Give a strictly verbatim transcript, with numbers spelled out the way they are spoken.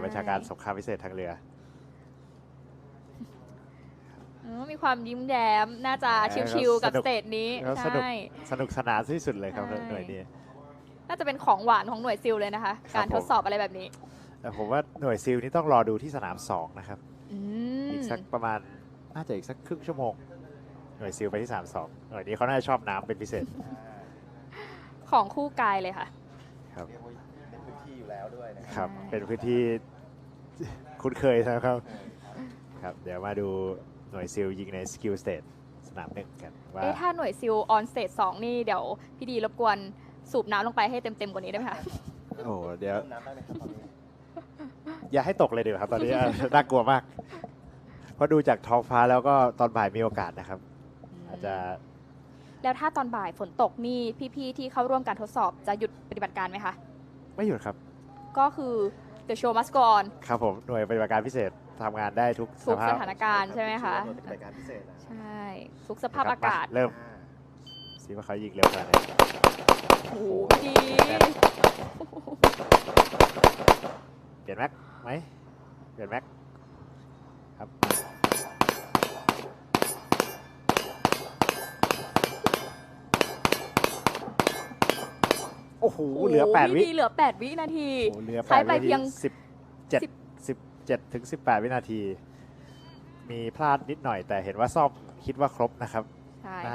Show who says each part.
Speaker 1: บัญชาการสงครามพิเศษทางเรือ
Speaker 2: มีความยิ้มแย้มน่าจะชิลๆกับสเตจนี้ใช่
Speaker 1: สนุกสนานที่สุดเลยครับหน่วยนี้
Speaker 2: น่าจะเป็นของหวานของหน่วยซิลเลยนะคะการทดสอบอะไรแบบนี้
Speaker 1: แต่ผมว่าหน่วยซิลนี่ต้องรอดูที่สนามสองนะครับอีกสักประมาณน่าจะอีกสักครึ่งชั่วโมงหน่วยซิลไปที่สนามสองหน่วยนี้เขาน่าจะชอบน้ำเป็นพิเศษ
Speaker 2: ของคู่กายเลยค่ะ
Speaker 1: ครับ
Speaker 3: เป็นพื้นที่อยู่แล้วด้วยนะ
Speaker 1: ครั บเป็นพื้นที่คุ้นเคยนะครับครับเดี๋ยวมาดูหน่วยซิลยิงในสกิลสเตทสนามหนึ่งกันว่า
Speaker 2: เอ๊ะถ้าหน่วยซิลออนสเตจสองนี่เดี๋ยวพี่ดีรบกวนสูบน้ำลงไปให้เต็มๆกว่านี้ได้ไหมคะ
Speaker 1: โอ้เดี๋ยว
Speaker 3: น้ำได้ไหมครับตอนนี้
Speaker 1: อย่าให้ตกเลยเดี๋ยวครับตอนนี้ น่ากลัวมากเพราะดูจากท้องฟ้าแล้วก็ตอนบ่ายมีโอกาสนะครับอาจจะ
Speaker 2: แล้วถ้าตอนบ่ายฝนตกนี่พี่ๆที่เข้าร่วมการทดสอบจะหยุดปฏิบัติการไหมคะ
Speaker 1: ไม่หยุดครับ
Speaker 2: ก็คือ the show must go on
Speaker 1: ครับผมหน่วยปฏิบัติการพิเศษทำงานได้ทุก
Speaker 2: ทุกสถานการณ์ใช่ไหมคะ
Speaker 3: ปฏิบัติการพิเศษ
Speaker 2: ใช่ทุกสภาพอากาศ
Speaker 1: เริ่มสิว่าเขายิงเร็วขนาดไหน
Speaker 2: โอ้โหดี
Speaker 1: เปลี่ยนแม็กไหมเปลี่ยนแม็กครับโอ้โหเหลือแปดวิ
Speaker 2: เหลือแปดวินาที
Speaker 1: ใช้ไปเพียงสิบเจ็ด สิบเจ็ดถึงสิบแปดวินาทีมีพลาดนิดหน่อยแต่เห็นว่าซ่อมคิดว่าครบนะครับ